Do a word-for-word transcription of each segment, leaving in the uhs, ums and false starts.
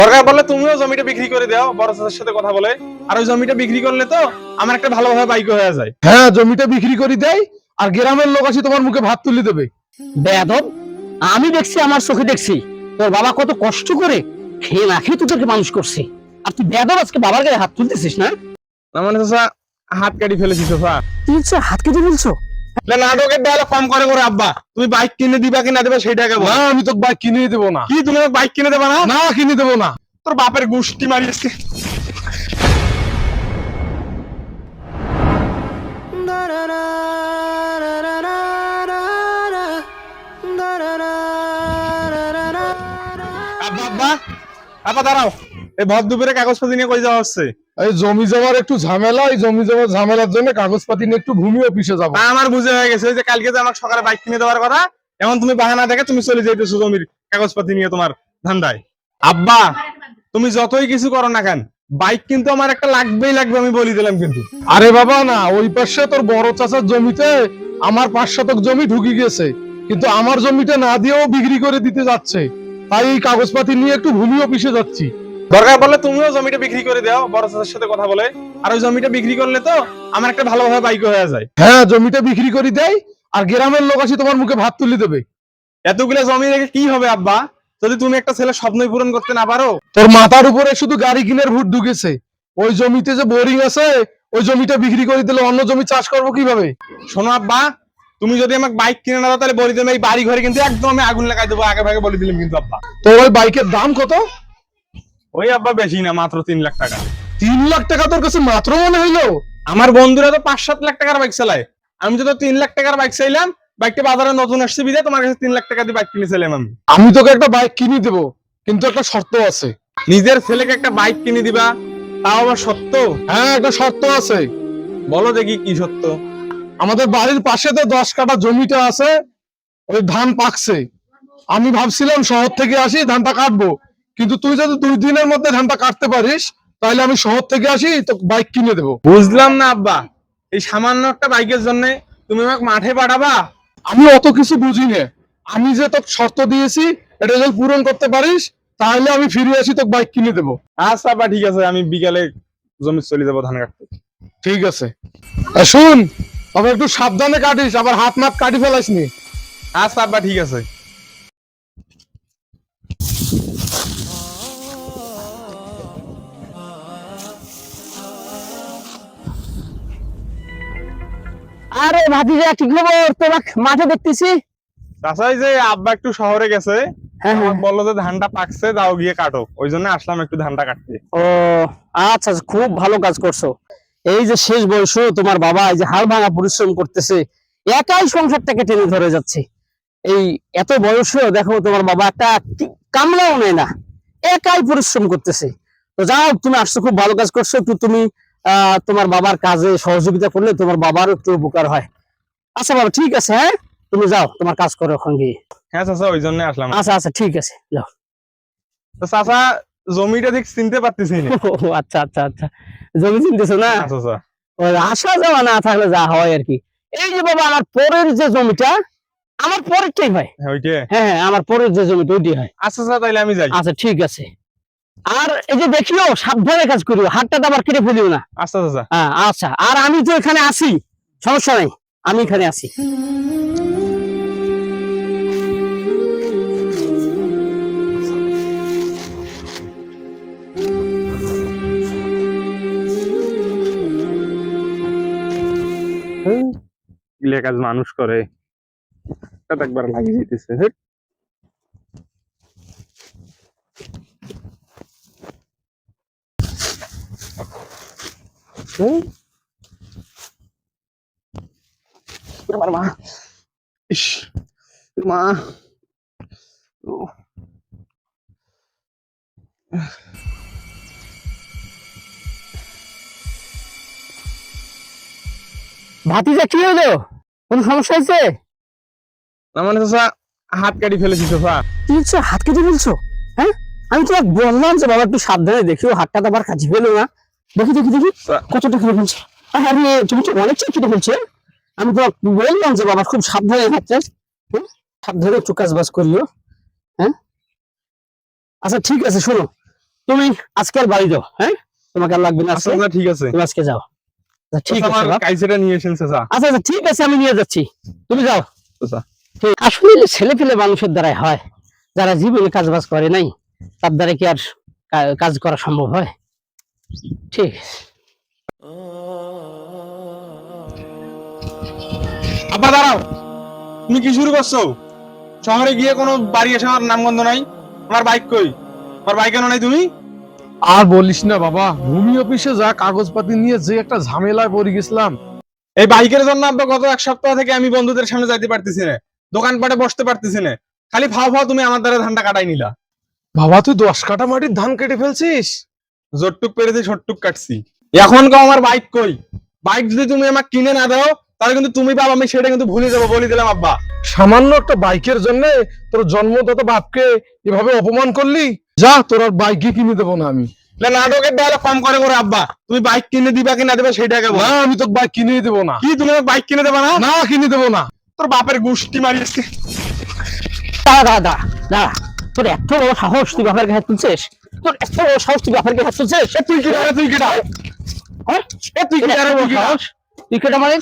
দরকার বললে তুমিও জমিটা বিক্রি করে দাও বড় চাচার সাথে কথা বলে। আর ওই জমিটা বিক্রি করলে তো আমার একটা ভালোভাবে বাইক হয়ে যায়। হ্যাঁ, জমিটা বিক্রি করে দেয় আর গ্রামের লোক আসি তোমার মুখে ভাত তুলে দেবে। বেয়াদব, আমি দেখছি, আমার চোখে দেখছি তোর বাবা কত কষ্ট করে খেয়ে না খেয়ে তোদেরকে মানুষ করছে, আর তুই বেয়াদব আজকে বাবার গায়ে হাত তুলতেছিস না? না মানে চাচা হাত কাটি ফেলেছি চাচা। তুই হচ্ছে হাত কেটে বলছো? না নাটকের ডায়লগ কম করে করে আব্বা, তুমি বাইক কিনে দিবা কি না দিবা সেটাকে বল। না, আমি তোকে বাইক কিনে দেবো না। কি তুমি আমাকে বাইক কিনে দেবা না? না, কিনে দেবো না। তোর বাপের গুষ্টি মারিয়েছে। আব্বা আব্বা আব্বা দাঁড়াও, এই ভর দুপুরে কাগজপত্র নিয়ে কই যাওয়া হচ্ছে? এই জমি জমার একটু ঝামেলা, এই জমি জমার ঝামেলার জন্য কাগজপাতি নিয়ে একটু ভূমি অফিসে যাবো। তা আমার বুঝে হয়ে গেছে, ওই যে কালকে যে আমাকে সকালে বাইক কিনে দেওয়ার কথা, এখন তুমি বাহানা দেখে তুমি চলে যাইতেছো জমির কাগজপাতি নিয়ে তোমার ধান্দায়। আব্বা তুমি যতই কিছু করো না কেন, বাইক কিন্তু আমার একটা লাগবেই লাগবে, আমি বলি দিলাম কিন্তু। আরে বাবা না, ওই পাশে তোর বড় চাচার জমিতে আমার পাঁচ শতক জমি ঢুকে গেছে, কিন্তু আমার জমিটা না দিয়েও বিক্রি করে দিতে যাচ্ছে। তাই এই কাগজপাতি নিয়ে একটু ভূমি অফিসে যাচ্ছি। দরকার বললে তুমিও জমিটা বিক্রি করে দাও বড় চাচার সাথে কথা বলে। আর ওই জমিটা বিক্রি করলে তো আমার একটা ভালোভাবে বাইক হয়ে যায়। হ্যাঁ, জমিটা বিক্রি করে দেয় আর গ্রামের লোক আসি তোমার মুখে ভাত তুলে দেবে। এতগুলো জমি রেখে কি হবে আব্বা, যদি তুমি একটা ছেলে স্বপ্নই পূরণ করতে না পারো? তোর মাথার উপরে শুধু গাড়ি কিনের ভূত ঢুকেছে। ওই জমিতে যে বোরিং আছে, ওই জমিটা বিক্রি করে দিলে অন্য জমি চাষ করবো কিভাবে? শোনো আব্বা, তুমি যদি আমাকে বাইক কিনে না দাও তাহলে বলি দিলাম এই বাড়ি ঘরে কিন্তু একদম আমি আগুন লাগাই দেবো, আগে ভাগে বলে দিলাম কিন্তু আব্বা। তোর ওই বাইকের দাম কত? ওই আব্বা বেশি না, মাত্র তিন লাখ টাকা। তিন লাখ টাকা তোর কাছে মাত্র মনে হইলো? আমার বন্ধুরা তো পাঁচ সাত লাখ টাকার বাইক চালায়, আমি তো তিন লাখ টাকার বাইক চাইলাম। বাইকটা বাজারে নতুন আসছে বিদে তোমার কাছে তিন লাখ টাকা দিয়ে বাইক কিনে চাইলাম আমি। আমি তোকে একটা বাইক কিনে দেবো, কিন্তু একটা শর্ত আছে। নিজের ছেলেকে একটা বাইক কিনে দিবা, তাও আবার সত্য? হ্যাঁ, একটা শর্ত আছে। বলো দেখি কি সত্য। আমাদের বাড়ির পাশে তো দশ কাঠা জমিটা আছে, ওই ধান পাকছে। আমি ভাবছিলাম শহর থেকে আসি ধানটা কাটবো, কিন্তু তুই যদি দুই দিনের মধ্যে ধানটা কাটতে পারিস তাহলে আমি শহর থেকে আসি তো বাইক কিনে দেবো। বুঝলাম না আব্বা, এই সামান্য একটা বাইকের জন্য তুমি আমাকে মাঠে পাঠাবা? আমি অত কিছু বুঝি না। আমি যে তোকে শর্ত দিয়েছি এটা যদি পূরণ করতে পারিস তাহলে আমি ফিরে আসি তোকে বাইক কিনে দেবো। আচ্ছা আব্বা ঠিক আছে, আমি বিকালে জমি চলে যাবো ধান কাটতে। ঠিক আছে, আর শুন, তবে একটু সাবধানে কাটিস, আবার হাত মাত কাটি ফেলাস নি। আচ্ছা আব্বা ঠিক আছে। আরে ভাতিজা, কি খবর? তোমাকে মাঠে দেখতেছি। তাছাড়া যে আব্বা একটু শহরে গেছে, হ্যাঁ, হ্যাঁ। আমাকে বললো যে ধানটা পাকছে, যাও গিয়ে কাটো, ওই জন্য আসলাম একটু ধানটা কাটতে। ও আচ্ছা আচ্ছা, খুব ভালো কাজ করছো। এই যে শেষ বয়সে তোমার বাবা এই যে হাল ভাঙা পরিশ্রম করতেছে, একাই সংসারটাকে টেনে ধরে যাচ্ছে। এই এত বয়সেও দেখো তোমার বাবা একটা কি- কামলাও নেয় না, একাই পরিশ্রম করতেছে। তো যাও, তুমি আসছো, খুব ভালো কাজ করছো। একটু তুমি আহ তোমার বাবার কাজে সহযোগিতা করলে তোমার বাবারও একটু উপকার হয়। আচ্ছা বাবা, ঠিক আছে, হ্যাঁ তুমি যাও, তোমার কাজ করো ওখান গিয়ে। হ্যাঁ চাচা, ওই জন্য আসলাম। আচ্ছা আচ্ছা, ঠিক আছে, যাও। তো চাচা জমিটা ঠিক চিনতে পারতেছি না। ও আচ্ছা আচ্ছা আচ্ছা, জমি চিনতেছো না? আচ্ছা আচ্ছা। ওই আসা যাওয়া না থাকলে যা হয় আর কি। এই যে বাবা, আমার পরের যে জমিটা, আমার পরেরটাই হয়। হ্যাঁ ওইটা। হ্যাঁ হ্যাঁ, আমার পরের যে জমিটা ওইটাই হয়। আচ্ছা আচ্ছা, তাইলে আমি যাই। আচ্ছা ঠিক আছে। আর এই যে দেখিও, সাবধানে কাজ করিও, হাতটা তো আবার কেটে ফেলিও না। আচ্ছা চাচা। হ্যাঁ আচ্ছা, আর আমি তো এখানে আছি, সমস্যা নাই, আমি এখানে আছি। গিলে কাজ মানুষ করে, এটা একবার লাগিয়ে দিতেছে। হেট। হুম। আমার মা, ইস মা, ও। ভাতিজা, কি হলো? কোন সমস্যা হয়েছে? না মানে চাচা হাত কাটি ফেলেছি চাচা। কি হচ্ছে, হাত কেটে ফেলছো? হ্যাঁ, আমি তোমাকে বললাম যে বাবা একটু সাবধানে দেখিও, হাতটা তো আবার কাটি ফেলো না। দেখি দেখি দেখি, কতটা কেটে ফেলছো? আরে তুমি তো অনেক কেটে ফেলছো। আমি তোমাকে বললাম যে বাবা খুব সাবধানে হাতটা, হ্যাঁ সাবধানে একটু কাজ বাজ করিও। হ্যাঁ আচ্ছা ঠিক আছে, শোনো, তুমি আজকে আর বাড়ি যাও, হ্যাঁ তোমাকে আর লাগবে না আচ্ছা আজকে, চাচা, ঠিক আছে। তুমি আজকে যাও। আচ্ছা, ঠিক চাচা, আছে আমার বাপ। কাইসেটা নিয়ে এসেন চাচা। আচ্ছা আচ্ছা ঠিক আছে, আমি নিয়ে যাচ্ছি, তুমি যাও। চাচা, ঠিক। আসলে ছেলে পেলে মানুষের দ্বারাই হয়, যারা জীবনে কাজ বাজ করে নাই তার দ্বারা কি আর কা- কাজ করা সম্ভব হয়? ঠিক আছে। আব্বা দাঁড়াও, তুমি কি শুরু করছো? শহরে গিয়ে কোনো বাড়ি এসে আমার নামগন্ধ নাই। আমার বাইক কই? আমার বাইক কেন নাই তুমি? আর বলিস না বাবা, ভূমি অফিসে যা কাগজপাতি নিয়ে যে একটা ঝামেলায় পড়ে গেছিলাম। এই বাইকের জন্য আব্বা গত এক সপ্তাহ থেকে আমি বন্ধুদের সামনে যাইতে পারতেছি না, দোকানপাটে বসতে পারতেছি না। খালি ফাও ফাও তুমি আমার দ্বারা ধানটা কাটাই নিলা। বাবা তুই দশ কাঠা মাটির ধান কেটে ফেলছিস? জোরটুক পেরেছি, ছোটটুক কাটছি। এখন কও আমার বাইক কই? বাইক যদি তুমি আমাকে কিনে না দাও তাহলে কিন্তু তুমি বাবা আমি সেটা কিন্তু ভুলে যাবো, বলে দিলাম আব্বা। সামান্য একটা বাইকের জন্য তোর জন্মদাতা বাপকে এভাবে অপমান করলি? যা, তোর আর বাইকই কিনে দেবো না আমি। না, নাটকের ডায়লগ কম করে করে আব্বা। তুমি বাইক কিনে দিবা কি না দেবে সেটাকে বল। না, আমি তোকে বাইক কিনেই দেবো না। কি তুমি আমাকে বাইক কিনে দেবা না? না, কিনে দেবো না। তোর বাপের গুষ্টি মারিয়েছে। দাঁড়া দাঁড়া দাঁড়া দাঁড়া, তোর এত বড় সাহস তুই বাপের গায়ে হাত তুলছিস? তোর এত বড় সাহস তুই বাপের গায়ে হাত তুলছিস? এ তুই কি রে, তুই কি রে? হ্যাঁ? এ তুই কি রে, তুই কি সাহস? তুই কেটে মানে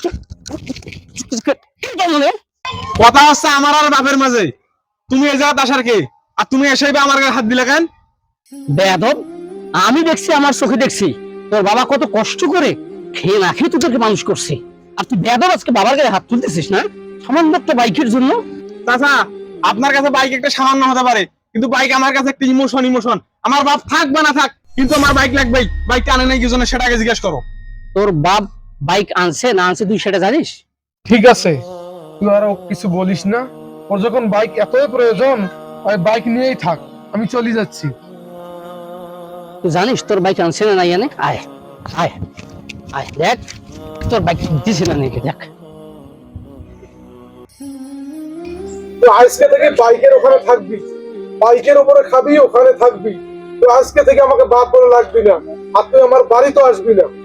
মানে কথা হচ্ছে আমার আর বাপের মাঝে। তুমি এই জায়গায় আসার কে? আর তুমি এসেই বা আমার গায়ে হাত দিলে কেন? বেয়াদব, আমি দেখছি, আমার চোখে দেখছি তোর বাবা কত কষ্ট করে খেয়ে না খেয়ে তোদেরকে মানুষ করছে, আর তুই বেয়াদব আজকে বাবার গায়ে হাত তুলতেছিস না সামান্য একটা বাইকের জন্য? চাচা, আপনার কাছে বাইক একটা সামান্য হতে পারে, কিন্তু বাইক আমার কাছে একটা ইমোশন। ইমোশন আমার বাপ থাক বা না থাক, কিন্তু আমার বাইক লাগবেই। বাইক আনে নাই কি জন্য সেটা আগে জিজ্ঞেস করো। তোর বাপ বাইক আনছে না আনছে তুই সেটা জানিস? ঠিক আছে, তুই আর ওকে কিছু বলিস না। ওর যখন বাইক এতই প্রয়োজন, ওই বাইক নিয়েই থাক, আমি চলে যাচ্ছি। তুই জানিস তোর বাইক আনছে না নাই আনে? আয় আয় আয় দেখ তোর বাইক দিছে না নাকি, দেখ। তো আজকে থেকে বাইকের ওখানে থাকবি, বাইকের উপরে খাবি, ওখানে থাকবি। তো আজকে থেকে আমাকে বাপ বলে লাগবি না, আর তুই আমার বাড়ি তো আসবি না।